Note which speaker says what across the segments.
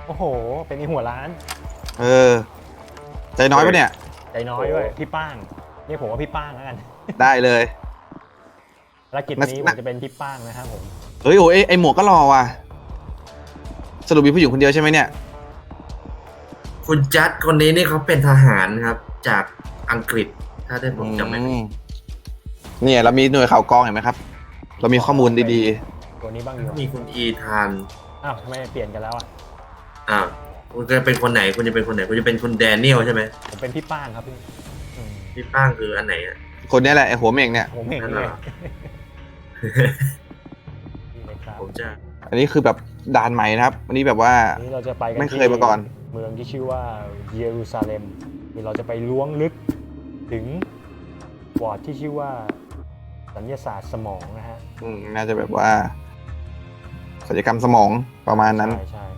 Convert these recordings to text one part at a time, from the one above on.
Speaker 1: โอ้โหเป็นไอ้หัวร้าน
Speaker 2: ใจน้อยปะเนี่ย
Speaker 1: ใจน้อยด้วยพี่ป้างเรียกผมว่าพี่ป้างแล้วกัน
Speaker 2: ได้เลย
Speaker 1: ภารกิจนี้ผมจะเป็นพี่ป้างนะครับผม
Speaker 2: เฮ้ยโอ้ยไอหมวกก็รอว่ะสรุปมีผู้หญิงคนเดียวใช่ไหมเนี่ย
Speaker 3: คุณจัดคนนี้นี่เขาเป็นทหารครับ จากอังกฤษถ้าได้ผมจำไม่ผิด
Speaker 2: เนี่ยเรามีหน่วยข่าวกรองเห็นไหมครับ เรามีข้อมูลดี
Speaker 1: ตัวนี้บ้างอยู่
Speaker 3: มีคุณอีธาน
Speaker 1: อ้าวทำไมเปลี่ยนกันแล้วอ่ะ
Speaker 3: คุณจะเป็นคนไหนคุณจะเป็นคนไหนคุณจะเป็นคุณแดเนียลใช่ไหม
Speaker 1: ผมเป็นพี่ป้างครับพี่อืม
Speaker 3: พี่ป้างคืออันไหนอ่ะ
Speaker 2: ๆ คนนี้แหละไอหัวเม่งเนี่ย
Speaker 1: ผมเห็น
Speaker 3: นั่น
Speaker 1: เล
Speaker 3: เหร
Speaker 1: ย
Speaker 3: อ
Speaker 1: นี่เลยครับ
Speaker 3: ผมจะ
Speaker 2: อันนี้คือแบบด่านใหม่นะครับ อันนี้แบบว่า
Speaker 1: วันนี้เราจะไปกัน
Speaker 2: ไม่เคยมาก่อน
Speaker 1: เมืองที่ชื่อว่าเยรูซาเล็มนี่เราจะไปล้วงลึกถึงวอร์ดที่ชื่อว่าสัญญาศาสตร์สมองนะฮะ
Speaker 2: น่าจะแบบว่าศัลยกรรมสมองประมาณนั้น
Speaker 1: ใช่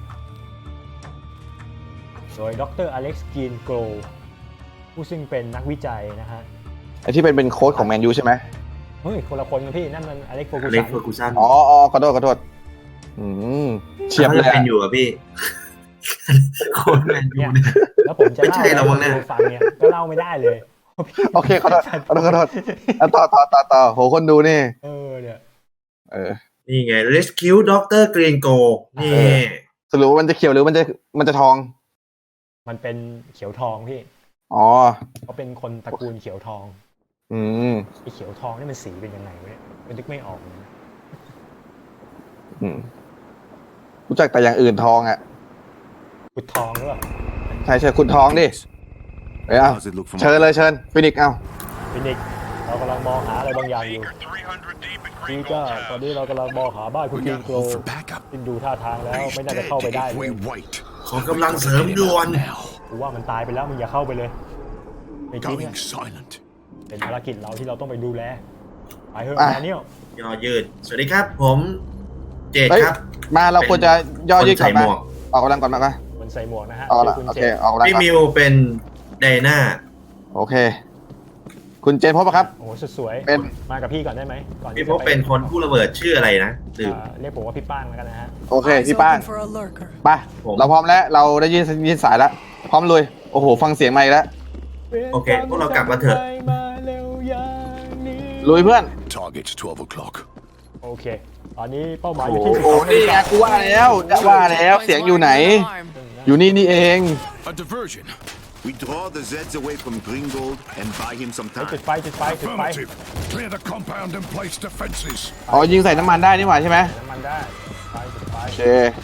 Speaker 1: โดยดรอเล็กซ์กีนโกลผู้ซึ่งเป็นนักวิจัยนะฮะ
Speaker 2: ไอที่เป็นโค้ชของแมนยูใช่ไหม
Speaker 1: เฮ้ยคนละคนกันพี่นั่นมันอเล็กโฟกุ
Speaker 3: เล็
Speaker 1: สั
Speaker 3: ก
Speaker 1: น
Speaker 3: เฟอร์กูสัน
Speaker 2: อ๋อขอโทษเฉียบเลย
Speaker 3: ขาจะเป็น
Speaker 2: อะ
Speaker 3: อยู่อ่ะพี่ โคนแมนยู
Speaker 1: เนี่ย
Speaker 3: เนี่ย
Speaker 1: แล้วผมจะ
Speaker 3: ไม่
Speaker 1: เล่า
Speaker 3: ใช่เรามั้งเนี่ย
Speaker 1: ให้ฟังเนี่ยก็เล่าไม่ได้เลย
Speaker 2: โอเคขอโทษอ่ะต่อโหคนดูนี่
Speaker 1: เนี่ย
Speaker 3: นี่ไง Rescue Dr. Green Go นี่
Speaker 2: สรุปว่ามันจะเขียวหรือมันจะทอง
Speaker 1: มันเป็นเขียวทองพี่
Speaker 2: อ๋อ
Speaker 1: เขาเป็นคนตระกูลเขียวทอง
Speaker 2: อืม
Speaker 1: ไอ้เขียวทองนี่มันสีเป็นยังไงวะเนี่ยมันนึกไม่ออกเลยนะ
Speaker 2: อืมรู้จักแต่อย่างอื่นทองอ่ะ
Speaker 1: ขุดทองหรือเปล่า
Speaker 2: ใช่คุณทองดิเอา
Speaker 4: How's it look from
Speaker 2: เชิญเลยเชิญฟินิกซ์เอา
Speaker 1: ฟินิกซ์เรากำลังมองหาอะไรบางอย่างอยู่ นี่ก็ตอนนี้เรากำลังมองหาบ้านคุณ
Speaker 4: We
Speaker 1: กิน
Speaker 4: gotta
Speaker 1: โกล
Speaker 4: hope for backup.
Speaker 1: ซึ่งดูท่าทางแล้ว
Speaker 4: He's
Speaker 1: ไม่น่าจะ
Speaker 4: dead
Speaker 1: เข้าไปได้
Speaker 4: if
Speaker 1: เล
Speaker 4: we
Speaker 1: ย
Speaker 4: wait.
Speaker 3: ขอกำลังเสริมด่วน
Speaker 4: Now,
Speaker 1: กูว่ามันตายไปแล้วมึงอย่าเข้าไปเลยไม่จริง
Speaker 4: going
Speaker 1: อะ
Speaker 4: silent.
Speaker 1: เป็นภารกิจเราที่เราต้องไปดูแลไปเถอะ
Speaker 2: อ่ะ
Speaker 1: แดเนียล
Speaker 3: ย่อยืด สวัสดีครับ ผมเจด
Speaker 2: เฮ้ย
Speaker 3: ครับ
Speaker 2: มาเราควรจะย่อยืด
Speaker 3: คน
Speaker 2: ก่อน
Speaker 3: ใส่
Speaker 2: มา
Speaker 3: หมวก
Speaker 2: ออกกำลังก่อนมา
Speaker 1: คนใส่หมวกนะฮะ
Speaker 2: เอา
Speaker 1: ชื่
Speaker 2: ละ
Speaker 1: อคุณ
Speaker 2: โอ
Speaker 1: เจ
Speaker 2: เค
Speaker 1: น
Speaker 2: ออกกำลัง
Speaker 3: พี่
Speaker 2: ก่อน
Speaker 3: มิวเป็นไดนา
Speaker 2: โอเค คุณเจนพบปะครับ
Speaker 1: โอ้โหสุดสวย
Speaker 2: เป็น
Speaker 1: มากับพี่ก่อนได้ไหมก่อน
Speaker 3: พี่
Speaker 1: ที่
Speaker 3: พบเป็นคนผู้ระเบิดชื่ออะไรนะลืม
Speaker 1: เรียกผมว่าพี่ป้างแล้วกันนะฮะ
Speaker 2: โอเค
Speaker 5: Eyes
Speaker 2: พี่ป้าง
Speaker 5: open for a lurker.
Speaker 2: ไป
Speaker 3: ผม
Speaker 2: เราพร้อมแล้วเราได้ยินสายแล้วพร้อมลุยโอ้โหฟังเสียงใหม่แล้ว
Speaker 3: โอเคพวกเรากลับมาเถอะ
Speaker 1: มาเร็วอย่างนี้
Speaker 2: ลุยเพื่อน
Speaker 4: Target's 12 o'clock.
Speaker 1: โอเค ตอนนี้เป้าหมายอยู่ที่
Speaker 2: โอ้นี่ไงกูว่าแล้วจะว่าแล้วเสียงอยู่ไหน อยู่นี่เอง
Speaker 4: A diversion. We draw the Zeds away from Gringold and buy him some
Speaker 1: จุด
Speaker 4: time.
Speaker 1: ไฟจุดไฟจุดไฟ
Speaker 4: Clear the compound and place defenses.
Speaker 2: อ๋อยิงใส่น้ำมันได้นี่หว่าใช่ไหม
Speaker 1: น้ำมันได้ไฟจุดไฟ
Speaker 2: โอเค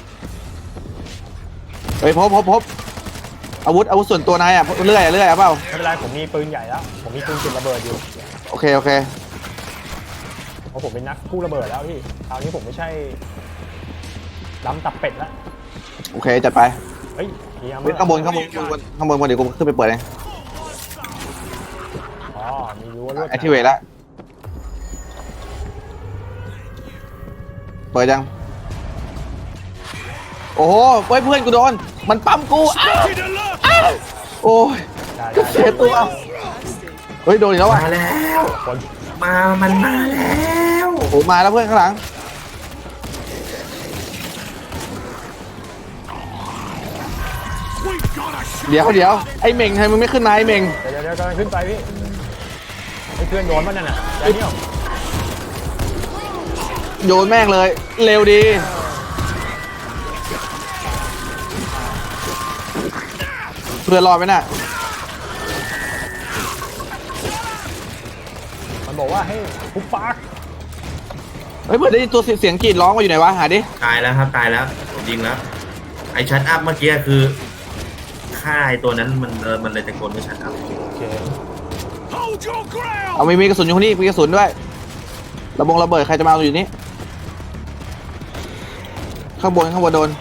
Speaker 2: เฮ้ยพบอาวุธส่วนตัวนายอ่ะเลื่อยเอาเปล่า
Speaker 1: ไม่เป็นไรผมมีปืนใหญ่แล้ว ผมมีปืนจุดระเบิดอยู่
Speaker 2: โอเค
Speaker 1: เพราะผมเป็นนักกู้ระเบิดแล้วพี่คราวนี้ผมไม่ใช่ล้ำตับเป็ดแล้ว
Speaker 2: โอเคจัดไป
Speaker 1: เฮ้ยมีอาร์เมอ
Speaker 2: เฮ้ย
Speaker 1: ร์
Speaker 2: ข้างบนเดี๋ยวกูขึ้นไปเปิดเอง
Speaker 1: อ๋อมีรั้วลวด
Speaker 2: แอคทีเวทแล้วเปิดยังโอ้โหเฮ้ยเพื่อนกูโดนมันปั๊มกูอ้าวโอ้ย
Speaker 1: ได้
Speaker 2: เสียตัวเฮ้ยโดนอีกแล้วว่ะ
Speaker 3: มาแล้ว
Speaker 1: คน
Speaker 3: มันมาแล้ว
Speaker 2: โอ้โหมาแล้วเพื่อนข้างหลังเดี๋ยวไอ้เหม่งทำไมมึงไม่ขึ้นมาไอ้เหม่ง
Speaker 1: เดี๋ยวกำลังขึ้นไปพี่ไอ้เพื่อนโดนมันนั่นน่ะแดเนียล
Speaker 2: โยนแม่งเลยเร็วดีเพื่อนรอดไหมน่ะ
Speaker 1: มันบอกว่าให้ปุ๊บปาก
Speaker 2: เฮ้ยเพื่อนได้ยินตัวเสียงกรีดร้องมาอยู่ไหนวะหาดิ
Speaker 3: ตายแล้วครับตายแล้วผมยิงแล้ว ไอชัดอัพเมื่อกี้คือฆ่าไอตัวนั้นมันเลยตะโกนว่าชัดอัพ
Speaker 1: โอเค
Speaker 4: Hold your ground.
Speaker 2: เอามีกระสุนอยู่ข้างนี้มีกระสุนด้วยระเบิดใครจะมาเอาอยู่นี่ข้างบนโดน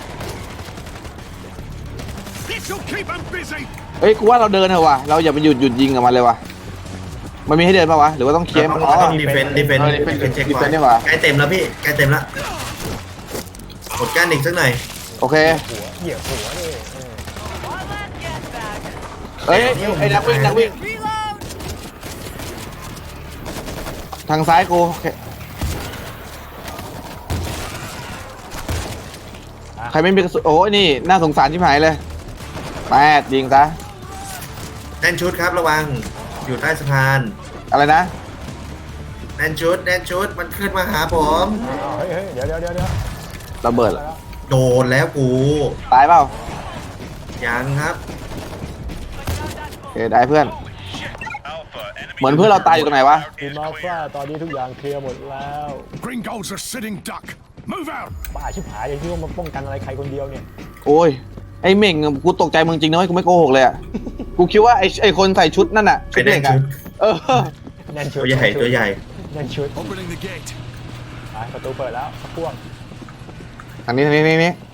Speaker 4: This'll keep him busy.
Speaker 2: เฮ้ยกูว่าเราเดินเถอะว่ะเราอย่าไปหยุดยิงกับมันเลยว่ะมันมีให้เดินป่าวะหรือว่าต้องเคลียร์มัน
Speaker 3: ต้องดีเฟนต์เช็ค
Speaker 2: ดี
Speaker 3: ก่
Speaker 2: เฟ
Speaker 3: อน
Speaker 2: ต์ดีกว่า
Speaker 3: ใกล้เต็มแล้วพี่ใกล้เต็มแล้วกดก้านอีกสักหน่อย
Speaker 2: โอเค
Speaker 1: เหยียบหัวเลย
Speaker 2: เฮ้ยไอ้นักวิ่ง
Speaker 5: Reload!
Speaker 2: ทางซ้ายกูโอเค
Speaker 1: อ่า
Speaker 2: ใครไม่มีกระสุนโอ้ยนี่น่าสงสารชิบหายเลยแปดยิงซะ
Speaker 3: แน่นชุดครับระวังอยู่ใต้สะพาน
Speaker 2: อะไรนะ
Speaker 3: แน่นชุดมันขึ้นมาหาผม
Speaker 1: เฮ้ยเดี๋ยว
Speaker 2: ระเบิดเหรอ
Speaker 3: โดนแล้วกู
Speaker 2: ตายเปล่า
Speaker 3: ยังครับ
Speaker 2: โอเคได้เพื่อน เหมือนเพื่อนเราตายอยู่ตรงไหนวะ
Speaker 1: ทีมอัลฟาตอนนี้ทุกอย่างเคลียร์หมดแล้ว
Speaker 5: Gringolds are sitting duck. Move out.
Speaker 1: บ้าชิบหายอย่างที่ว่ามาป้องกันอะไรใครคนเดียวเนี่ย
Speaker 2: โอ้ยไอ้เหม่งกูตกใจมึงจริงนะเว้ยกูไม่โกหกเลยอ่ะกูคิดว่าไอ้คนใส่ชุดนั่นน่ะชุดเหล็กอ่ะเออ
Speaker 1: แน่นชุด
Speaker 3: ตัวใหญ่ตัวใหญ่
Speaker 1: แน่นชุด
Speaker 5: Opening the gate.
Speaker 1: ไปประตูเปิดแล้วพ่วง
Speaker 2: ทางนี้
Speaker 1: เดิน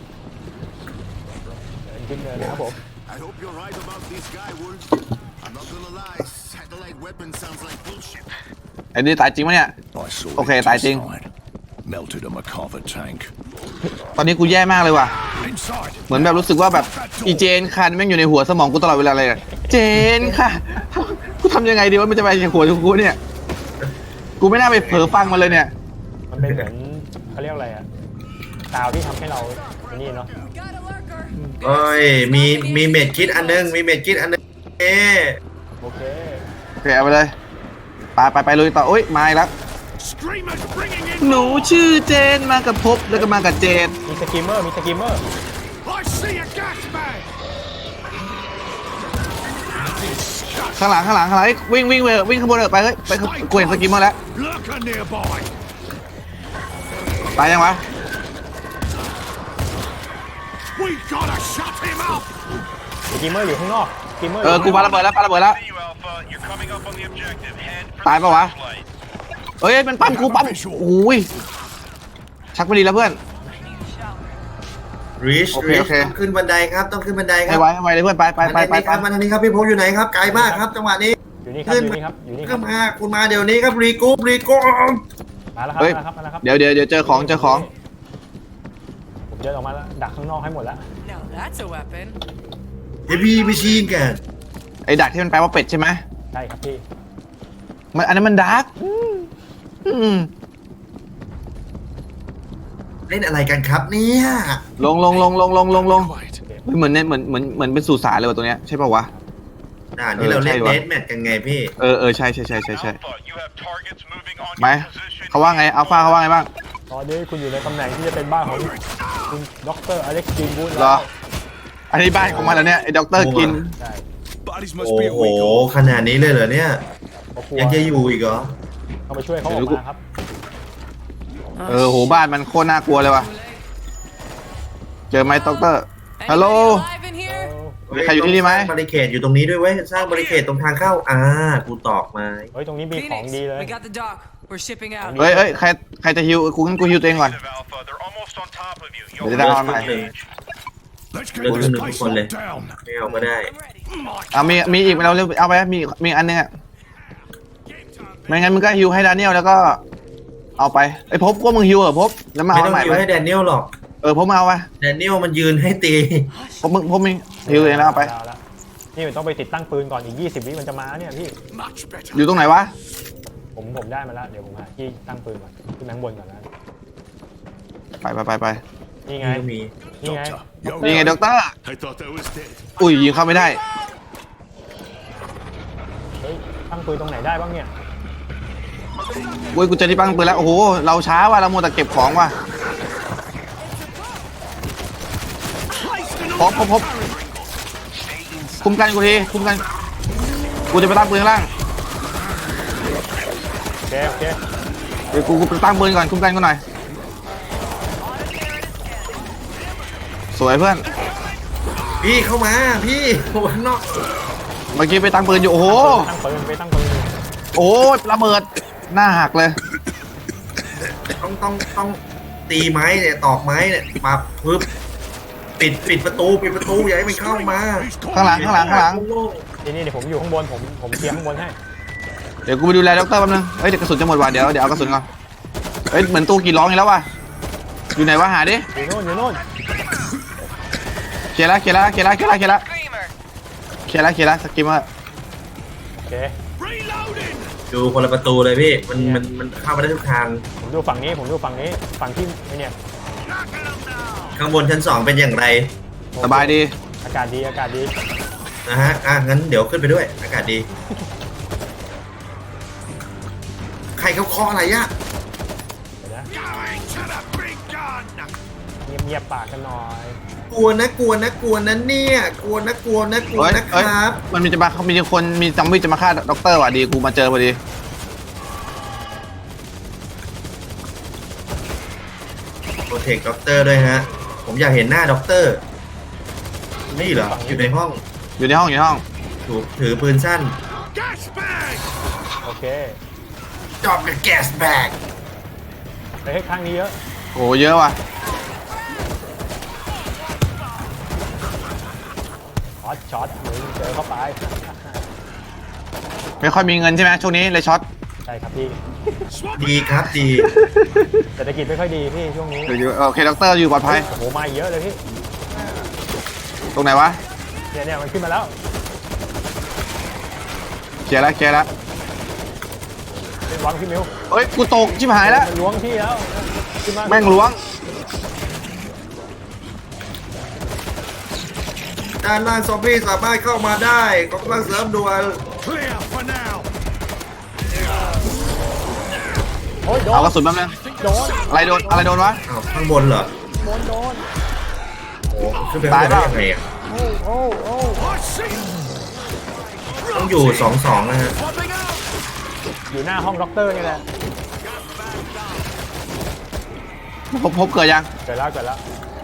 Speaker 1: ขึ้นเนินนะครับผม
Speaker 4: I hope you're right about this guy, Wolf. I'm not gonna lie, satellite weapon sounds like bullshit.
Speaker 2: ไอ้นี่ตายจริงปะเนี่ย
Speaker 5: I saw
Speaker 2: Okay,
Speaker 5: it
Speaker 2: tài chính.
Speaker 5: inside. Melted a MacArthur tank.
Speaker 2: ตอนนี้กูแย่มากเลยว่ะ
Speaker 5: Inside.
Speaker 2: เหมือนแบบรู้สึกว่าแบบอีเจนคันแม่งอยู่ในหัวสมองกูตลอดเวลาเลยอะเจนค่ะกูทำยังไงดีว่ามันจะไปในหัวกูเนี่ยกูไม่น่าไปเผลอฟังมันเลยเนี่ย
Speaker 1: มันเป็นเหมือนเขาเรียกอะไรอะดาวที่ทำให้เราไอ้นี่เนาะ
Speaker 3: โอ้ยมีเม็ดคิดอันนึงเอ๊ะ
Speaker 1: โอเค
Speaker 2: โอเคเอาไปเลยไปลุยต่อโอ๊ยมาอีกแล้ว
Speaker 5: Screamers bringing in.
Speaker 2: หนูชื่อเจนมากับภพแล้วก็มากับเจน
Speaker 1: มีสกิมเมอร์
Speaker 5: I see a gas bag.
Speaker 2: ข้างหลังวิ่งข้างบนไปเฮ้ยไปกูเห็นสกิมเมอร์แล้ว
Speaker 5: Lurker nearby.
Speaker 2: ตายยังวะ
Speaker 5: We gotta shut him up.
Speaker 1: สกิมเมอร์อยู่ข้างนอกสกิมเมอร์
Speaker 2: กูปาระเบิดแล้ว
Speaker 6: See you, Alpha. You're coming up on the objective. Head for
Speaker 2: ตาย
Speaker 6: the
Speaker 2: ปะวะ
Speaker 6: flashlight.
Speaker 2: เอ้ยมันปั้มกูปั้มโอ้ยชักไม่ดีแล้วเพื่อน
Speaker 3: รีช
Speaker 2: โอเค
Speaker 3: ต้องขึ้นบันไดครับต้องขึ้นบันไดค
Speaker 2: ให้
Speaker 3: รับ
Speaker 2: ไวเลยเพื่อนไป
Speaker 3: มาทางนี้ครับพี่พงษ์อยู่ไหนครับไกลมากครับจังหวะนี้
Speaker 1: อยู่นี่ครับอยู่นี่ค
Speaker 3: ขึ้
Speaker 1: รับ
Speaker 3: นมาคุณมาเดี๋ยวนี้ครับรีกู
Speaker 1: มาแล้ว
Speaker 2: เฮ้ย
Speaker 1: มาแล้วครับ
Speaker 2: เดี๋ยวเจอของ
Speaker 1: ผมเดินออกมาแล้วดักข้างนอกให้หมดแล้ว
Speaker 7: Now that's a weapon.
Speaker 3: เฮฟวี่มิชีนกัน
Speaker 2: ไอ้ดักที่มันแปลว่าเป็ดใช่ไหม
Speaker 1: ใช่ครับพี่
Speaker 2: มันอันนั้นมันดาร์ก
Speaker 3: เล่นอะไรกันครับเนี่ย
Speaker 2: ลง
Speaker 5: Quiet.
Speaker 2: เหมือนเนี่ยเหมือนเป็นสุสานเลยว่ะตัวเนี้ยใช่ป่าวะ
Speaker 3: ด่านที่เราเล่น
Speaker 2: ใช่วะ
Speaker 3: เดทแมทกันไงพี่
Speaker 2: ใช่
Speaker 6: Alpha, you have targets moving on
Speaker 2: ไหม
Speaker 6: your position.
Speaker 2: เขาว่าไงอัลฟาเขาว่าไงบ้าง
Speaker 1: ตอนนี้คุณอยู่ในตำแหน่งที่จะเป็นบ้านของคุณด็อกเตอร์อเล็กซ์กินบูธ
Speaker 2: เหรอ อันนี้บ้านของมันแล้วเนี่ยไอ้ด็อกเตอร์กิน
Speaker 1: ใช่
Speaker 5: Bodies
Speaker 3: โอ้
Speaker 5: must be a
Speaker 3: โห
Speaker 5: week old.
Speaker 3: ขนาดนี้เลยเหรอเนี่ย
Speaker 1: เขากลัว
Speaker 3: ยังจะอยู่อีกเหรอ
Speaker 1: เขาไปช่วยเขาออกมาครับ
Speaker 2: โหบ้านมันโคตรน่ากลัวเลยว่ะ เจอไหมด็อกเตอร์ ฮัลโหล
Speaker 7: Anybody alive in here?
Speaker 2: มีใครอยู่ที่นี่ไหม
Speaker 3: สร้างบาริเคดอยู่ตรงนี้ด้วยเว้ยสร้างบาริเคดตรงทางเข้ากูตอกไม้
Speaker 1: เฮ้ยตรงนี้มีของ
Speaker 7: Phoenix,
Speaker 1: ดีเลย
Speaker 7: we got the dock. We're shipping out.
Speaker 2: เฮ้ยใครจะฮิวกูงั้นกูฮิวตัวเองก่อน
Speaker 6: Alpha, they're almost on top of you.
Speaker 2: Để
Speaker 6: You'll
Speaker 2: ra
Speaker 6: lose
Speaker 2: ngoài.
Speaker 6: engage.
Speaker 5: Let's get
Speaker 3: Look,
Speaker 5: this
Speaker 3: look,
Speaker 5: place
Speaker 3: look, look.
Speaker 5: locked down.
Speaker 3: ไม่เอาก็ได้
Speaker 2: เอามีอีกเราเร็วเอาไปมีอันนึงอ่ะไม่งั้นมึงก็ฮิวให้ดานิเอลแล้วก็ เอาไปไอ้พบก็มึงฮิวพบแล้วมา
Speaker 3: ไม่
Speaker 2: เอา
Speaker 3: ต้อง
Speaker 2: ใหม่
Speaker 3: ยิ
Speaker 2: ไป
Speaker 3: วให้แดเนียลหรอก
Speaker 2: พบมาเอาไป
Speaker 3: แดเนียลมันยืนให้ตี
Speaker 2: พบมึงฮิวเองแล้วเอาไป
Speaker 1: แล้วนี่มันต้องไปติดตั้งปืนก่อนอีก20 วิมันจะมาเนี่ยพี่
Speaker 5: Much better.
Speaker 2: อยู่ตรงไหนวะ
Speaker 1: ผมได้มาแล้วเดี๋ยวผมหาที่ตั้งปืนก่อนขึ้นข้างบนก่อนนะ
Speaker 2: ไป
Speaker 1: นี่ไง
Speaker 3: มี
Speaker 1: นี่ไง
Speaker 5: Doctor, yo,
Speaker 2: นี่ไงด็อกเตอร์
Speaker 4: I thought I was dead.
Speaker 2: อุ้ยยิงเข้าไม่ได้
Speaker 1: เฮ้ยตั้งปืนตรงไหนได้บ้างเนี่ย
Speaker 2: อุ้ยกูเจอที่ปังปืนแล้วโอ้โหเราช้าว่ะเรามัวแต่เก็บของว่ะพบคุมกันกูทีคุมกันกูจะไปตั้งปืนข้างล่าง
Speaker 1: โอเค
Speaker 2: เดี๋ยวกูไปตั้งปืนก่อนคุมกันกูหน่อยสวยเพื่อน
Speaker 3: พี่เข้ามาพี่ข้างนอก
Speaker 2: เมื่อกี้ไปตั้งปืนอยู่โอ้โห
Speaker 1: ตั้งปืนไปตั้งปืน
Speaker 2: โอ้ระเบิดหน้าหักเลย
Speaker 3: ต้องตีไม้เนี่ยตอกไม้เนี่ยปับปึ๊บปิดประตูอย่าให้มันเข้ามา
Speaker 5: he's
Speaker 2: ข้างหลัง
Speaker 1: นี่เดี๋ยวผมอยู่ข้างบนผมเคลียร์ข้างบนให้
Speaker 2: เดี๋ยวกูไปดูแลด็อกเตอร์แป๊บนึงเฮ้ยเดี๋ยวกระสุนจะหมดว่ะเดี๋ยวเอากระสุนก่อนเฮ้ยเหมือนตู้กี่ร้องอีกแล้วว่ะอยู่ไหนวะหาดิ
Speaker 1: อยู่นู่น
Speaker 2: เคลียร์แล้วสกิมเมอร์
Speaker 1: โอเค
Speaker 5: reloading.
Speaker 3: ดูคนละประตูเลยพี่มันเข้ามาได้ทุกทาง
Speaker 1: ผมดูฝั่งนี้ฝั่งที่ไอเนี่ย
Speaker 3: ข้างบนชั้น 2เป็นอย่างไร
Speaker 2: สบายดี
Speaker 1: อากาศดีอากาศดี
Speaker 3: นะฮะงั้นเดี๋ยวขึ้นไปด้วยอากาศดีใครเขาเคาะอะไรอะ
Speaker 1: เดี๋ยวนะ
Speaker 5: Going to the big gun.
Speaker 1: เงียบๆปากกันหน่อย
Speaker 3: กลัวนะเนี่ยกลัวนะ
Speaker 2: เฮ้ย
Speaker 3: ค
Speaker 2: เฮ้ย
Speaker 3: รับ
Speaker 2: มันมีจะมามีคนมีซอมบี้จะมาฆ่าด็อกเตอร์ว่ะดีกูมาเจอพอดี
Speaker 3: โปรเทคด็อกเตอร์ด้วยฮะผมอยากเห็นหน้าด็อกเตอร์นี่เหรออยู่ในห้อง
Speaker 2: อยู่ในห้องอยู่ในห้อง
Speaker 3: ถือปืนสั้น
Speaker 5: Gas bag.
Speaker 1: โอเค
Speaker 3: จอบกับแก๊สแบก
Speaker 1: ไปให้ข้างนี้เยอะ
Speaker 2: โอ้เยอะว่ะ
Speaker 1: ช็อตมึงเจอเข้าไป
Speaker 2: ไม่ค่อยมีเงินใช่ไหมช่วงนี้เลยช็อต
Speaker 1: ใช่ครับพี่
Speaker 3: ดีครับดี
Speaker 1: เศรษฐกิจไม่ค่อยดีพี่ช่วงนี้
Speaker 2: โอเคด็อกเตอร์อยู่ปลอดภัย
Speaker 1: โอ้โหมาเยอะเลยพี่
Speaker 2: ตรงไหนวะ
Speaker 1: เนี่ยมันขึ้นมาแล้ว
Speaker 2: เคลียร์แล้วเคลียร์แล้ว
Speaker 1: เป็นวังพี่มิว
Speaker 2: เฮ้ยกูตกชิบหายแล้ว
Speaker 1: มันล้วงพี่แล้วขึ้นมา
Speaker 2: แม่งล้วง
Speaker 3: ด้านล่างซอมบี้สามารถเข้ามาได้กำลังเสริมด่วน
Speaker 5: Clear for now.
Speaker 1: โอ้ยโด
Speaker 2: เอา
Speaker 1: น
Speaker 2: กระสุนแป๊บนึง
Speaker 1: โดน
Speaker 2: อะไรโดนวะ
Speaker 3: อ้าวข้างบนเหรอ
Speaker 1: โดน
Speaker 3: โอ้ขึ้นไปข้างบนได้ยังไงอ่ะ
Speaker 1: โอ้
Speaker 5: I see.
Speaker 3: ต้องอยู่ 2-2นะฮะ
Speaker 5: Popping out.
Speaker 1: อยู่หน้าห้องด็อกเตอร์นี่แหละ
Speaker 2: พบเกิดยัง
Speaker 1: เกิดแล้ว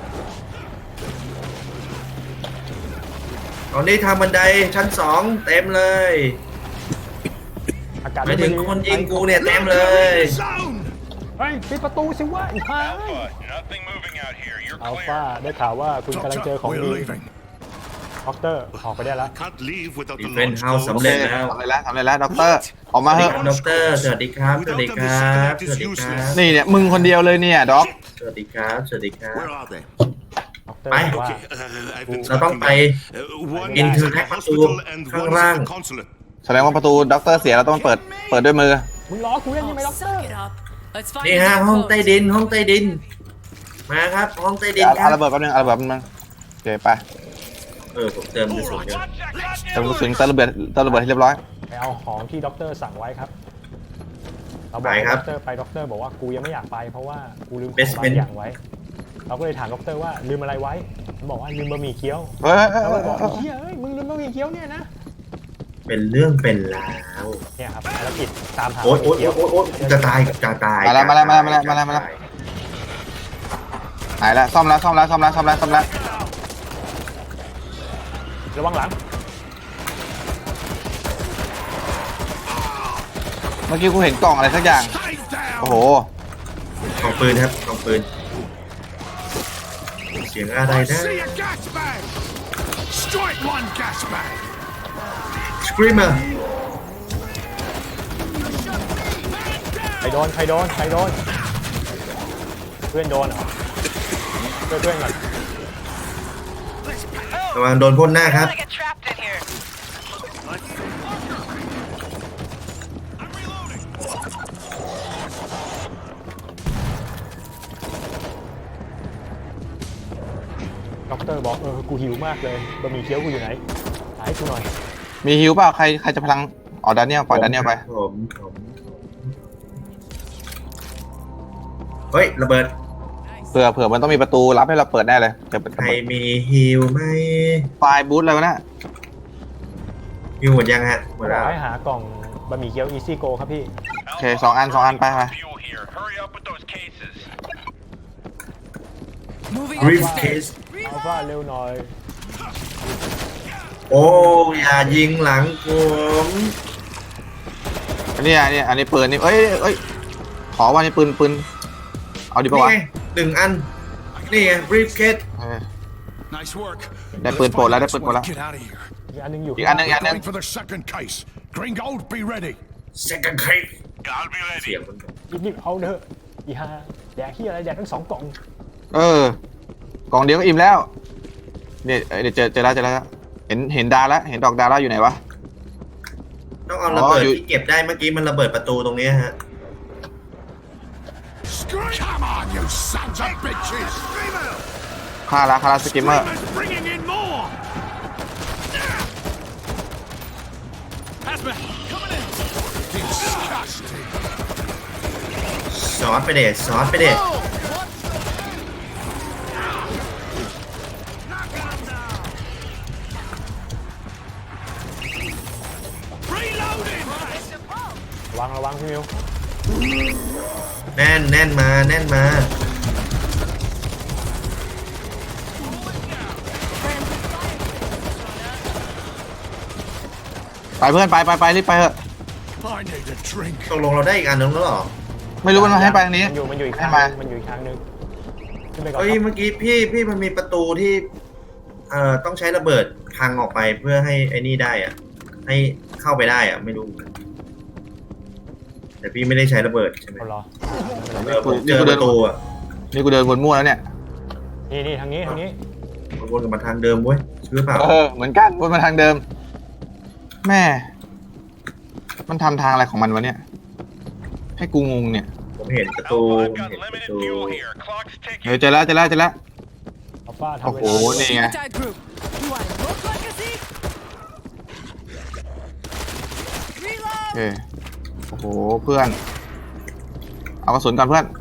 Speaker 3: ตอนนี้ทางบันไดชั้น 2 เต็มเลย
Speaker 1: อากาศ
Speaker 3: ไปถึงคนยิงกูเนี่ยเต็มเลย
Speaker 5: Zone.
Speaker 1: เฮ้ยปิดประตูสิวะอีกพาย
Speaker 6: Alpha, nothing moving out here. You're
Speaker 1: อัล
Speaker 6: clear.
Speaker 1: ฟาได้ข่าวว่าคุณกำลังเจอ
Speaker 5: Doctor,
Speaker 1: ของ
Speaker 5: we're
Speaker 1: ดี
Speaker 5: leaving.
Speaker 1: ด็อกเตอร์ออกไปได้แล้ว
Speaker 4: Can't leave without the
Speaker 3: Defend
Speaker 4: launch
Speaker 3: house
Speaker 4: codes.
Speaker 3: สำเร็จแล้ว
Speaker 2: ทำอะไรแล้วด็อกเตอร์ออกมาเถอะ
Speaker 3: ด็อกเตอร์สวัสดีครับ สวัสดีครับ สวัสดีครับ
Speaker 2: นี่เนี่ยมึงคนเดียวเลยเนี่ยด็อก
Speaker 3: สวัสดีครับ สวัสดีครับ
Speaker 4: Where are they?
Speaker 1: ด็อกเตอร์
Speaker 3: ไป
Speaker 1: บอกว่า
Speaker 4: Okay, I've been
Speaker 3: เราต้อง
Speaker 4: tracking
Speaker 3: ไป
Speaker 4: them. One is at the hospital and
Speaker 3: ข้าง
Speaker 4: one is
Speaker 3: ล่าง
Speaker 4: at the consulate.
Speaker 2: แสดงว่าประตูด็อกเตอร์เสียเราต้องเปิดด้วยมือ
Speaker 1: มึงล้อกูเล่นยังไง
Speaker 7: Oh,
Speaker 1: ด็อกเตอร์
Speaker 7: suck it up. Let's find
Speaker 3: นี่
Speaker 7: the
Speaker 3: ฮะ
Speaker 7: damn
Speaker 3: ห้อง
Speaker 7: codes.
Speaker 3: ใต้ดิน ห้องใต้ดิน มาครับ ห้องใต้ดินค
Speaker 2: เอา
Speaker 3: รับ
Speaker 2: ระเบิดแป๊บนึงเอาระเบิดแป๊บนึงโอเคไป
Speaker 3: ผมเติมกระสุนเดี๋ยว
Speaker 2: เติมกระสุนเติมระเบิดให้เรียบร้อย
Speaker 1: ไปเอาของที่ด็อกเตอร์สั่งไว้ครับเราบอกด็อกเตอร์ไปด็อกเตอร์บอกว่ากูยังไม่อยากไปเพราะว่ากูลืมของบางอย่างไว้ เราก็เลยถามด็อกเตอร์ว่าลืมอะไรไว้มันบอกว่าลืมบะหมี่เกี๊ยว
Speaker 2: เฮ้ย
Speaker 1: เราเลยบอกเฮียเอ้ยมึงลืมบะหมี่เกี๊ยวเนี่ยนะ
Speaker 3: เป็นเรื่องเป็นราว
Speaker 1: เนี่ยครับภารกิจตามหา
Speaker 3: โอ๊ย
Speaker 1: บะห
Speaker 3: โอ๊
Speaker 1: มี่
Speaker 3: ย
Speaker 1: เกี๊ยว
Speaker 3: โอ๊ยจะตาย
Speaker 2: มาแล้วหายแล้วซ่อมแล้ว
Speaker 1: ระวังหลัง
Speaker 2: เมื่อกี้กูเห็นกล่องอะไรสักอย่าง
Speaker 5: Stay down.
Speaker 2: โอ้โห
Speaker 3: ของปืนครับของปืน เสียงอะไร
Speaker 5: I
Speaker 3: นะ
Speaker 5: see a gas bag. Strike one gas bag.
Speaker 3: Screamer
Speaker 1: ใครโดนเพื่อนโดนเหรอเพื่อนก่อน
Speaker 3: ระวังโดนพ่นหน้าครับ
Speaker 6: get trapped in here.
Speaker 1: ด็อกเตอร์บอกกูหิวมากเลยบะหมี่เกี๊ยวกูอยู่ไหนหาให้กูหน่อย
Speaker 2: มีฮิวเปล่าใครจะพลังอ๋อดาเนียลปล่อยดาเนียลไป
Speaker 3: ผมเฮ้ย ระเบิด
Speaker 2: เผื่อมันต้องมีประตูรับให้เราเปิดแน่เลยเดี๋ยว
Speaker 3: ใครมีฮิวไหม
Speaker 2: ไฟล์บูทอะไรวะเนี่ย
Speaker 3: ฮิวหมดยังฮะหม
Speaker 1: บอ
Speaker 3: ดแล้ว
Speaker 1: กให้หากล่องบะหมี่เกี๊ยว Easy Go ครับพี่
Speaker 2: โอเคสองอันไป
Speaker 6: Fuel here. Hurry up with those cases.
Speaker 7: Moving
Speaker 3: บรีฟ
Speaker 7: upstairs.
Speaker 3: เคส
Speaker 1: อัลฟาเร็วหน่อย
Speaker 3: โอ้อย่ายิงหลังผม
Speaker 2: อันนี้ปืนนี่เอ้ยขอว่านี่ปืนเอาดีป่าวะ
Speaker 3: นี่ไง1 อัน นี่ไงบรีฟเคส
Speaker 5: Nice work.
Speaker 2: ได้
Speaker 5: Let's
Speaker 2: ปืนโปรด
Speaker 5: find
Speaker 2: แล้ว
Speaker 5: the
Speaker 2: ได้
Speaker 5: next
Speaker 2: ปืนโปรด
Speaker 5: one
Speaker 2: แล้ว
Speaker 5: and Get out of here.
Speaker 1: อีกอันหนึงอยู่
Speaker 2: อีกอันหนึ่ง
Speaker 5: Going for the second case. Gringold, be ready.
Speaker 3: second case
Speaker 6: I'll be
Speaker 3: เสีย
Speaker 6: ready.
Speaker 3: งมัน
Speaker 1: รีบๆเอาเถอะอีห่าแดกที่อะไรแดกทั้ง2 กล่อง
Speaker 2: กล่องเดียวก็อิ่มแล้วเนี่ยเดี๋ยวเจอแล้วเห็นดาแล้วเห็นดอกดาแล้วอยู่ไหนวะ
Speaker 3: ต้องเอาระเบิด
Speaker 2: อยู่
Speaker 3: ที่เก็บได้เมื่อกี้มันระเบิดประตูตรงนี้ฮะ
Speaker 5: Come on, you sons of bitches.
Speaker 2: ฆ่าละสกิมเมอร์
Speaker 5: Screamers bringing in more. Hazmat, coming in. Disgusting.
Speaker 3: ซอสไปเด็ดซอสไปเด็ด
Speaker 5: Reloading.
Speaker 1: ระวังพี่มิว
Speaker 3: แน่นมาแน่นมา
Speaker 2: ไปเพื่อนไปรีบไปเถอะ
Speaker 5: I need a drink.
Speaker 3: ตกลงเราได้อีกอันนึงแล้วเหรอ
Speaker 2: ไม่รู้มันมาให้ไปทางนี้
Speaker 1: มันอยู่อีก
Speaker 2: ให้
Speaker 1: ทาง
Speaker 2: มา
Speaker 1: นึงมันอยู่อีกทางนึงขึ้นไปก่อน
Speaker 3: เฮ้ย
Speaker 1: ครับ
Speaker 3: เมื่อกี้พี่มันมีประตูที่ต้องใช้ระเบิดพังออกไปเพื่อให้ไอ้นี่ได้อะให้เข้าไปได้อะไม่รู้แต่พี่ไม่ได้ใช้ระเบิดใช่ไหม
Speaker 1: เอารอ
Speaker 3: ผมเจอประตูอะ
Speaker 2: นี่กูเดินวนมั่วแล้วเนี่ย
Speaker 1: นี่ทางนี้
Speaker 3: วนกลับมาทางเดิมเว้ยชื่อเปล่า
Speaker 2: เหมือนกันวนมาทางเดิม แม่ มันทำทางอะไรของมันวะเนี่ย ให้กูงงเนี่ย
Speaker 3: ผมเห็นประตู
Speaker 6: Alpha,
Speaker 3: ผม
Speaker 6: I've got
Speaker 3: เห็นประ
Speaker 6: limited
Speaker 3: ตู
Speaker 6: fuel here. Clock's
Speaker 2: เฮ้ย
Speaker 6: ticking.
Speaker 2: เจอแล้ว
Speaker 1: อัลฟาทำเว
Speaker 2: โอ้
Speaker 1: ลา
Speaker 2: โห นี่ไง
Speaker 7: Attack group. You want to look like a thief?
Speaker 2: โอ
Speaker 7: Reload.
Speaker 2: เคโอ้โห เพื่อน เอากระสุนก่อนเพื่อน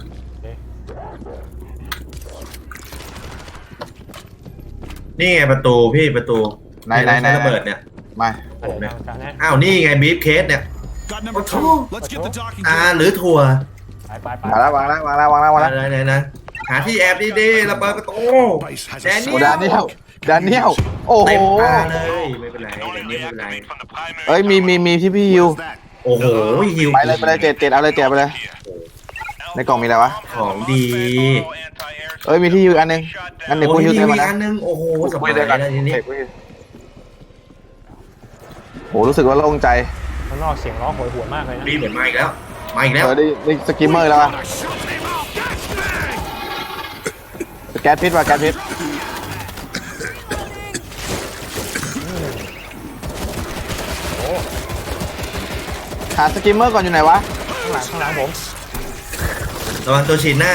Speaker 3: นี่ไงประตูพี่ประตู
Speaker 2: ไหน
Speaker 3: ใช้ระเบิดเนี่ย
Speaker 2: มา
Speaker 1: ผมเนี่ยทางนี้
Speaker 3: อ้าวนี่ไงบีฟเคสเนี่ย
Speaker 5: Got number
Speaker 3: What's
Speaker 5: 2.
Speaker 3: wrong?
Speaker 5: Let's get the docking
Speaker 3: หรือถั่ว
Speaker 1: ไป
Speaker 2: มาแล้ววางแล้ว
Speaker 3: ไหนหาที่แอบดีๆระเบิดประตู
Speaker 5: Base has
Speaker 3: แด
Speaker 5: a
Speaker 3: น
Speaker 2: โอ้
Speaker 3: นี่
Speaker 2: ดานเนียลโอ้โห
Speaker 3: เต็มตาเลยไม่เป็นไร
Speaker 6: No
Speaker 3: แดน
Speaker 6: enemy
Speaker 3: นี่ไม่เป็นไร
Speaker 6: activate from the primary.
Speaker 2: เอ้ย มีที่พี่ฮิว
Speaker 5: Where's that?
Speaker 3: โอ้โหฮิว
Speaker 2: ไปเลยเจ็ดเอาเลยเจ็ดไปเลย ในกล่องมีอะไรวะ
Speaker 3: ของดี
Speaker 2: เอ้ย มีที่ฮิวอันนึงงั้นเดี๋ยว
Speaker 3: โอ้
Speaker 2: กู
Speaker 3: ย
Speaker 2: ฮิว
Speaker 3: มี
Speaker 2: เต็มมา
Speaker 3: อีก
Speaker 2: นะ
Speaker 3: อันนึงโอ้โหสบาย
Speaker 2: เดี๋ยวก่อน
Speaker 3: แล้วทีนี้
Speaker 2: โหรู้สึกว่าโล่งใจ
Speaker 1: ข้างนอกเสียงร้องโหยหวนมากเลยนะ
Speaker 3: บีเหมือนมาอีกแล้วมาอีกแล้ว
Speaker 2: ได้สกิมเมอร์แล้วอะ
Speaker 5: I shot him out. Gas bag.
Speaker 2: แก๊สพิษว่ะแก๊สพิษหาสกิมเมอร์ก่อนอยู่ไหนวะ
Speaker 1: ข้างหลังผม
Speaker 3: ระวังตัวฉีดหน้า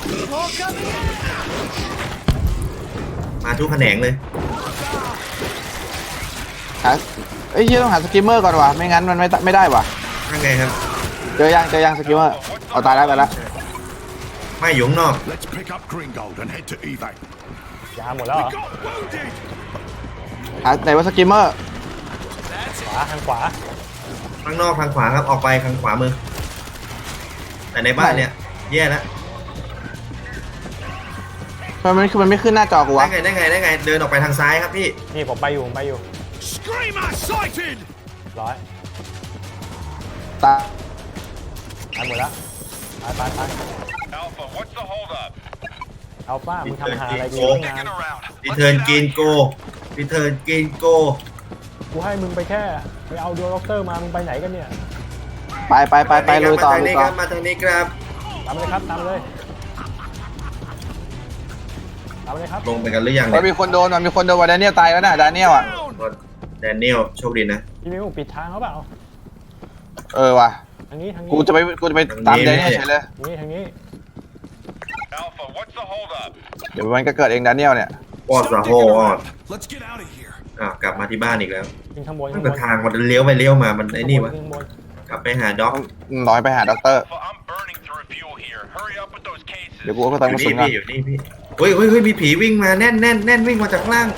Speaker 3: มาทุกแขนงเลย
Speaker 2: หาเอ้ยต้องหาสกิมเมอร์ก่อนวะไม่งั้นมันไม่ได้วะ
Speaker 3: ข้างไงครับ
Speaker 2: เจอยังสกิมเมอร์เอาตายแล้ว
Speaker 3: ไม่อยู่ข้างนอก
Speaker 5: Let's pick up Gringold and head to evac.
Speaker 1: ยาหมดแล้วเหรอ
Speaker 5: Got wounded.
Speaker 2: หาไหนว่าสกิมเมอร์
Speaker 1: ทางขวา
Speaker 3: ข้างนอกทางขวาครับออกไปทางขวามือ แต่ในบ้านเนี่ยแย่แล้ว
Speaker 2: มันไม่ขึ้นหน้าจอกูวะ
Speaker 3: ได้ไงเดินออกไปทางซ้ายครับพี่
Speaker 1: นี่ผมไปอยู่
Speaker 5: Screamer sighted.
Speaker 1: ร้อย
Speaker 2: ตาย
Speaker 1: ตายหมดแล้วไป
Speaker 6: Alpha, what's the holdup?
Speaker 1: อัลฟามึงทำหาอะไรกู
Speaker 3: โอ้
Speaker 1: ตั้งนาน
Speaker 6: Sticking around.
Speaker 3: รีเทิร์นกินโกรีเทิร์นกินโก
Speaker 1: กูให้มึงไปแค่ไปเอาดูด็อกเตอร์มามึงไปไหนกันเนี่ย
Speaker 2: ไปลุยต่อ
Speaker 3: มาทางนี้ครับ
Speaker 1: ตามเลยครับตามเลยครับ
Speaker 3: ลงไปกันหรือยัง
Speaker 2: มัน
Speaker 3: เนี่ย
Speaker 2: มีคนโดนว่าแดเนียลตายแล้วนะแดเนียลอ่ะ
Speaker 3: แดเนียลโชคดีนะ
Speaker 1: พี่มิวปิดทางเขาเปล่า
Speaker 2: ว่ะ
Speaker 1: ทางนี้
Speaker 2: กูจะไปตามแดเนียลเฉยเลย
Speaker 1: ทางนี้
Speaker 6: Alpha, what's the holdup?
Speaker 2: เดี๋ยวมันก็เกิดเองแดเนียลเนี่ย
Speaker 3: ปอดสะ
Speaker 5: Stop
Speaker 3: โฮ
Speaker 5: digging
Speaker 3: ออด
Speaker 5: around. Let's get out of here.
Speaker 3: กลับมาที่บ้านอีกแล้ว
Speaker 1: ขึ้นข้างบน
Speaker 3: ตั้งแต่ทางมันเลี้ยวไปเลี้ยวมามันไอ้นี่วะ
Speaker 1: ข้างบน
Speaker 3: กลับไปหาด็อก
Speaker 2: น้อยไปหาด็อกเตอร์
Speaker 6: Alpha, I'm burning through fuel here. Hurry up with those cases.
Speaker 2: เดี๋ยวกูก็ต้องกระสุนก่อน
Speaker 3: อยู่นี่พี่เฮ้ยมีผีวิ่งมาแน่นวิ่งมาจากข้างล่าง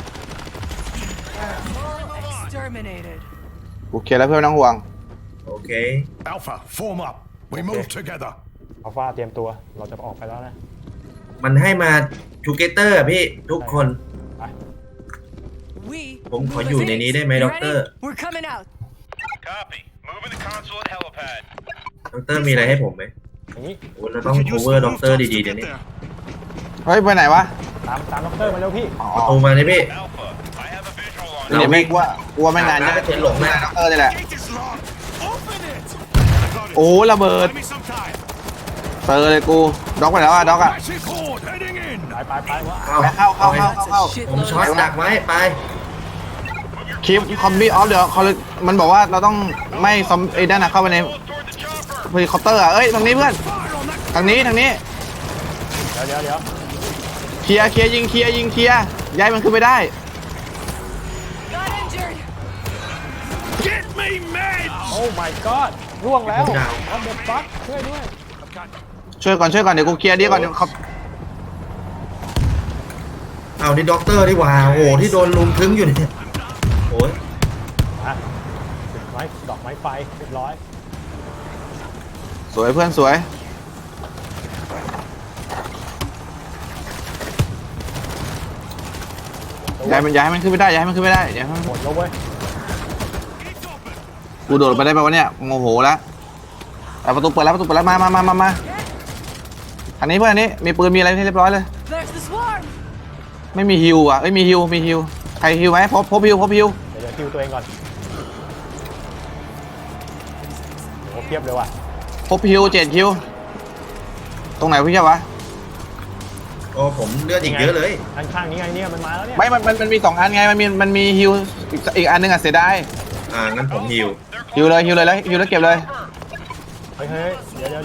Speaker 7: Exterminated.
Speaker 2: กูเคลียร์แล้วเพื่อนไม่ต้องห่วง
Speaker 3: โอเค
Speaker 5: Alpha, form up. We move together.
Speaker 1: อัลฟาเตรียมตัวเราจะออกไปแล้วนะ
Speaker 3: มันให้มาทูเกเตอร์พี่ทุกคน
Speaker 1: ไป
Speaker 7: We.
Speaker 3: ผมขอ
Speaker 7: move
Speaker 3: อยู่
Speaker 7: as
Speaker 3: ใน
Speaker 7: aides.
Speaker 3: นี้ได้ไหม
Speaker 7: You
Speaker 3: ด็อกเตอ
Speaker 7: ready?
Speaker 3: ร์
Speaker 7: We're coming out.
Speaker 6: Copy. Moving to console at helipad.
Speaker 3: ด็อกเตอร์มีอะไรให้ผมไหม
Speaker 1: อย่างนี้
Speaker 3: โอ้เราต้อง cover ด็อกเตอร์ดีๆเดี๋ยวนี้
Speaker 2: เฮ้ยไปไหนวะ
Speaker 1: ตามด็อกเตอร์มาเร็วพี่
Speaker 3: ประตูมาเลยพี่
Speaker 6: Alpha, I have a visual on
Speaker 2: เดี๋ยวไม่กลัวไม่นาน
Speaker 3: จะเห็นหลงนะ
Speaker 2: ด็อกเตอร์นี่แหละ
Speaker 5: Gate is locked. Open it. Got it.
Speaker 2: โอ้ระเบิด
Speaker 5: Buy me some time.
Speaker 2: เจอเลยกูด็อกไปแล้วอ่ะด็อกอ่ะ
Speaker 5: Massive horde heading in.
Speaker 1: ไปวะ
Speaker 3: เข้า
Speaker 2: เข้า
Speaker 7: That's a
Speaker 3: ผม
Speaker 7: shitload
Speaker 3: ช็อต
Speaker 7: of
Speaker 3: ดักไว้ไป
Speaker 2: คลิปคอมบี้ออฟเดี๋ยวเขามันบอกว่าเราต้องไม่ซอมไอ้ด้านน่ะเข้าไปใน
Speaker 6: toward the chopper.
Speaker 2: เฮลิคอปเตอร์อ่ะเอ้ยตรงนี้เพื่อน
Speaker 5: Fire on that.
Speaker 2: ทางนี้
Speaker 1: เดี๋ยว
Speaker 2: เคลียร์ยิงเคลียร์ย้ายมันขึ้นไปได้
Speaker 7: Got injured.
Speaker 5: Get me meds!
Speaker 1: โอ้ my god ร่วงแล้ว
Speaker 3: ดาว
Speaker 1: what the fuck ช่วยด้วย
Speaker 2: ช่วยก่อนเดี๋ยวกูเคลียร์ดีก่อนเดี๋ยวเขา
Speaker 3: เอานี่ด็อกเตอร์ดีกว่าโอ้โหที่โดนลุมทึ้งอยู่เนี่ยโอ้ย
Speaker 1: อ่ะติดไม้ดอกไม้ไฟเรียบร้อย
Speaker 2: สวยเพื่อนสวยย้ายมันขึ้นไม่ได้ย้ายมันขึ้นไม่ได้ย้ายมัน
Speaker 1: หมดแล้วเว้ย
Speaker 2: กูโดดไปได้ป่าวะเนี่ยโมโหแล้วแต่ประตูเปิดแล้วมาอันนี้เพื่อนอันนี้มีปืนมีอะไรให้เรียบร้อยเลย
Speaker 7: There's the swarm.
Speaker 2: ไม่มีฮิวอ่ะมีฮิวใครฮิวไหมพบฮิว
Speaker 1: เดี๋ยวคิวตัวเองก่อนโอ้เพียบเลยว่ะ
Speaker 2: พบฮิว7 ฮิวตรงไหนพี่เจ้าวะ
Speaker 3: โอ้ผมเลือดอีกเยอะเลย
Speaker 1: ข้างๆนี้ไงเนี่ยมันมาแล้วเนี่ย
Speaker 2: ไม่มันมี2 อันไงมันมีฮิวอีกอันนึงอ่ะเสียดาย
Speaker 3: งั้นผมฮิว
Speaker 2: ฮิวเลยแล้วเก็บเลย
Speaker 1: เฮ้ยเดี๋ยว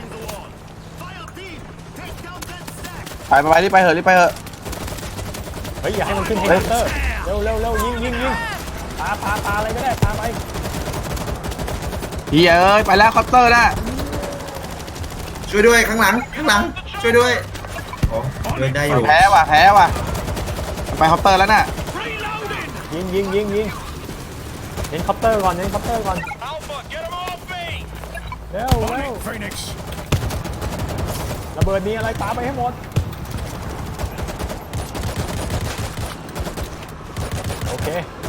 Speaker 2: ไปรีบไปเถอะ
Speaker 1: เฮ้ยอย่าให้มันขึ้นเฮลิคอปเตอร์เร็วยิงปาอะไรก็ได้ปาไป
Speaker 2: เฮียเอ้ยไปแล้วคอปเตอร์นะ
Speaker 3: ช่วยด้วยข้างหลังช่วยด้วยอ๋อเดินได้อยู่
Speaker 2: แพ้ว่ะไปคอปเตอร์แล้วน่ะ
Speaker 1: ยิงเน้นคอปเตอร์ก่อน
Speaker 6: Alpha, get him off me!
Speaker 1: เร็ว
Speaker 5: Phoenix!
Speaker 1: ระเบิดนี้อะไรปาไปให้หมดโอเค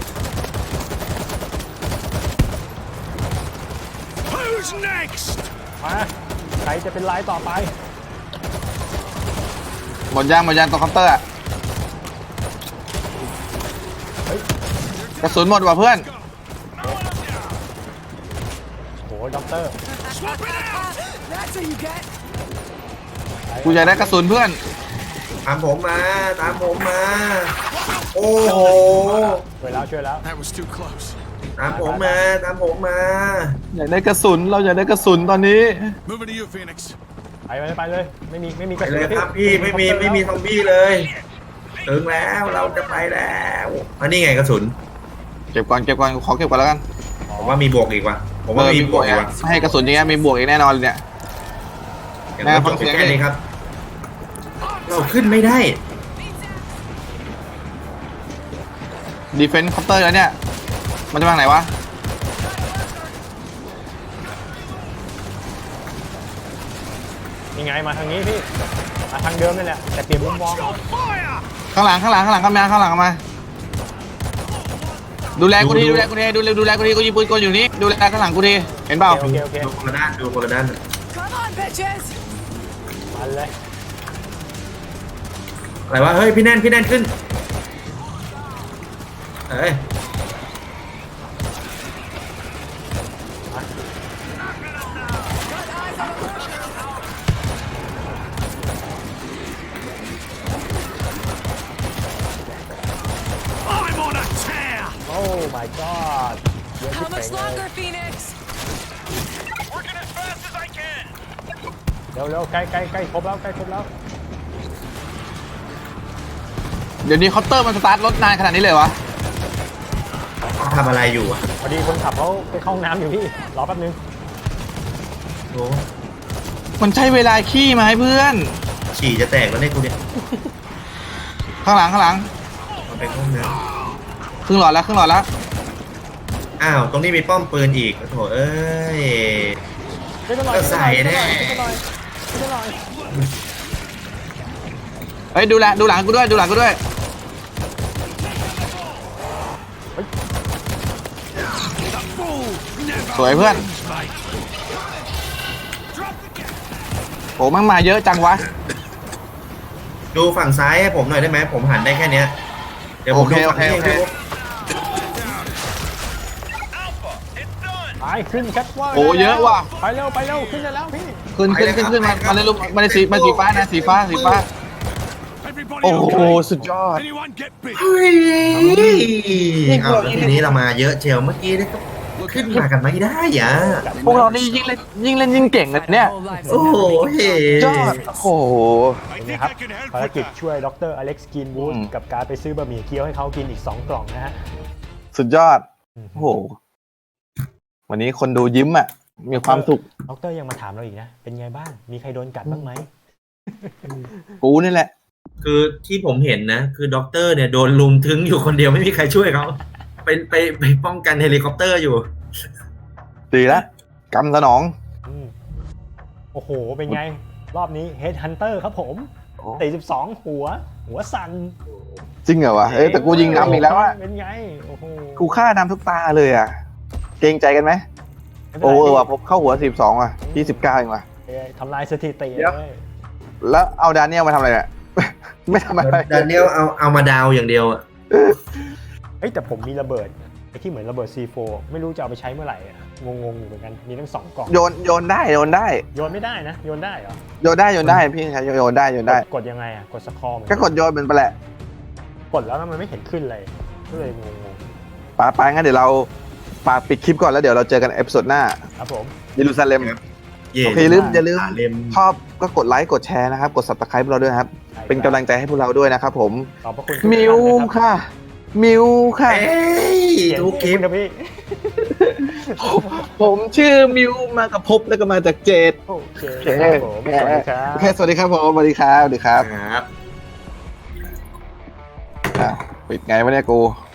Speaker 5: Who's next?
Speaker 1: มาใครจะเป็นลายต่อไป
Speaker 2: หมดยางตรงคอปเตอร์อ่ะ
Speaker 1: เฮ้ย
Speaker 2: กระสุนหมดว่ะเพื่อน
Speaker 1: โหด็อกเตอร์
Speaker 7: That's what you get.
Speaker 2: กูอยากได้กระสุนเพื่อน
Speaker 3: ตามผมมาโอ้โห
Speaker 1: ช่วยแล้ว
Speaker 5: That was too close.
Speaker 3: ตามผมมา
Speaker 2: อยากได้กระสุนเราอยากได้กระสุนตอนนี้
Speaker 5: Moving to you, Phoenix.
Speaker 1: ไปเลยไม่มีก
Speaker 3: ไประ
Speaker 1: สุ
Speaker 3: เล
Speaker 1: น
Speaker 3: ยครับพี่ไม่มีซอมบี้เลยถึงแล้วเราจะไปแล้วอันนี้ไงกระสุน
Speaker 2: เก็บก่อนขอเก็บก่อนแล้วกัน
Speaker 3: ผมว่ามีบวกอีกว่ะผมว่ามีบวกอีกว่ะ
Speaker 2: ให้กระสุนอย่างเงี้ยมีบวกอีกแน่นอนเลยเนี่ย
Speaker 3: อย่างนั้นจบแค่นี้ครับ เราขึ้นไม่ได้
Speaker 2: ดีเฟนส์คอปเตอร์แล้วเนี่ยมันจะมาทางไหนวะ
Speaker 1: ยังไงมาทางนี้พี่มาทางเดิมนี่แหละแต่เปลี่ยนมุมมอง
Speaker 5: Fire!
Speaker 2: ข้างหลังเข้ามาดูแลกูทีดูแลกูทีกูยิงปืนกลอยู่นี่ดูแลข้างหลังกูทีเห็นเปล่า
Speaker 1: โอเค
Speaker 3: ดูคนละด้าน
Speaker 7: Come on, bitches.
Speaker 1: มันเลย
Speaker 3: อะไรวะเฮ้ยพี่แน่นขึ้นเอ้ย
Speaker 5: I'm on a tear!
Speaker 1: โอ้ my god เยอะที่
Speaker 7: How
Speaker 1: เป่ง
Speaker 7: much
Speaker 1: เลย
Speaker 7: longer, Phoenix?
Speaker 6: Working as fast as I can!
Speaker 1: เร็วใกล้ครบแล้ว
Speaker 2: เดี๋ยวนี้คอปเตอร์มันสตาร์ทรถนานขนาดนี้เลยวะ
Speaker 3: เขาทำอะไรอยู่อ่ะ
Speaker 1: พอดีคนขับเขาไปเข้าห้องน้ำอยู่พี่รอแป๊บนึง
Speaker 3: โอ้
Speaker 2: มันใช้เวลาขี้มาให้เพื่อน
Speaker 3: ฉี่จะแตกแล้วเนี่ยกูเนี่ย
Speaker 2: ข้างหลัง
Speaker 3: มันเป็นห้องน้
Speaker 2: ครึ่งหลอดแล้ว
Speaker 3: ำอ้าวตรงนี้มีป้อมปืนอีกโถเอ้ย
Speaker 1: ช่วยกันหน่อย
Speaker 3: ก็ใส่แน่
Speaker 1: ช่วยกันหน่อย
Speaker 2: เฮ้ยดูหลังกูด้วยสวยเพื่อนโอ้มันมาเยอะจังวะ
Speaker 3: ดูฝั่งซ้ายให้ผมหน่อยได้ไหมผมหันได้แค่เนี้ยเดี๋ยวผมดูฝั่งนี้
Speaker 2: โอเค
Speaker 3: ให้ดู
Speaker 6: Alpha, it's done!
Speaker 1: ไปขึ้นแคทว่า
Speaker 2: โอ้เยอะว่ะ
Speaker 1: ไปเร็วขึ้นได้แล้วพี่
Speaker 2: ขึ้นมาเลยลูกมาเลยสีฟ้านะสีฟ้า
Speaker 5: Everybody
Speaker 2: โอ้โห
Speaker 5: okay?
Speaker 2: สุดยอด
Speaker 5: Anyone get bit?
Speaker 3: เฮ้ยเอาแล้วทีนี้เรามาเยอะเชียวเมื่อกี้นะครับขึ้นมากันไม่ได้อ่ะ
Speaker 2: พวกเรานี่ยิ่งเล่นยิ่งเก่งเลยเนี่ย
Speaker 3: โอ้โหเฮ้
Speaker 2: ยอดโอ้โห
Speaker 6: I
Speaker 1: เป็นไง
Speaker 6: think
Speaker 1: ครับ
Speaker 6: I can help
Speaker 1: ภาร
Speaker 6: with
Speaker 1: กิจ
Speaker 6: that.
Speaker 1: ช่วยดรอเล็กซ์กินวูด
Speaker 2: อืม
Speaker 1: กับการไปซื้อบะหมี่เกี๊ยวให้เขากินอีก2 กล่องนะฮะ
Speaker 2: สุดยอด โอ้โห วันนี้คนดูยิ้มอ่ะ มีความสุข
Speaker 1: ดรยังมาถามเราอีกนะ เป็นไงบ้าง มีใครโดนกัดบ้างไหม
Speaker 2: กูนี่แหละ
Speaker 3: คือที่ผมเห็นนะ คือด็อกเตอร์เนี่ยโดนลุมถึงอยู่คนเดียวไม่มีใครช่วยเขาไปป้องกันเฮลิคอปเตอร์อยู่
Speaker 2: ดีแล้วกำสนอง
Speaker 1: อืมโอ้โห เป็นไง รอบนี้ Headhunter ครับผม42หัวสั่น
Speaker 2: จริงเหรอวะเอ้ยแต่กูยิงนำอีกแล้วอะ
Speaker 1: เป็นไง โอ้โห
Speaker 2: กูฆ่านำทุกตาเลยอ่ะ เกรงใจกันไหม
Speaker 1: ไม่เป็น
Speaker 2: โอ้
Speaker 1: ไร
Speaker 2: เออว่ะผมเข้าหัว12อ่ะที่19เองว่ะ
Speaker 1: ทำลายสถิติ
Speaker 2: เดี๋ยว
Speaker 1: เลย
Speaker 2: แล้วเอาดาเนียลมาทำอะไรเนี่ย ไม่ทำอะไร
Speaker 3: ดานิเอลเอามาดาวอย่างเดียวอ่ะ
Speaker 1: เฮ้ยแต่ผมมีระเบิดไอ้ที่เหมือนระเบิด C4 ไม่รู้จะเอาไปใช้เมื่อไหร่อะงงๆอยู่เหมือนกัน มีทั้ง2 กล่อง
Speaker 2: โยนได้
Speaker 1: โยนไม่ได้นะ โยนได้เหรอ
Speaker 2: โยนได้พี่ชายโยนได้
Speaker 1: กดยังไงอ่ะ กดสคอร์
Speaker 2: ก็กดโยนเป็นไปแหละ
Speaker 1: กดแล้วมันไม่เห็นขึ้นเลย ก็เลยงง
Speaker 2: ไปงั้นเดี๋ยวเราฝากปิดคลิปก่อนแล้วเดี๋ยวเราเจอกันเอพิโซดหน้า
Speaker 1: ๆครับผม
Speaker 2: เยรูซาเล็ม
Speaker 3: เย่
Speaker 2: โอเคอย่าลืม
Speaker 3: เล่ม
Speaker 2: ชอบก็กดไลค์กดแชร์นะครับ กด subscribe พวกเราด้วยนะครับ เป็นกำลังใจให้พวกเราด้วยนะครับผม
Speaker 1: ขอบพระคุณทุก
Speaker 2: มิว
Speaker 1: ท่านนะครับ
Speaker 2: ค่ะ มิวค่ะ
Speaker 3: เอ้ย
Speaker 1: เสียง
Speaker 3: ทุกคลิป
Speaker 1: นะพี่
Speaker 2: ผมชื่อมิวมากับภพแล้วก็มาจากเจด
Speaker 1: โอเคครับผมสวัสดีครับ
Speaker 2: โอเคสวัสดีครับผมสวัสดีครับ
Speaker 3: ครับ
Speaker 2: ปิดไงวะเนี่ยกู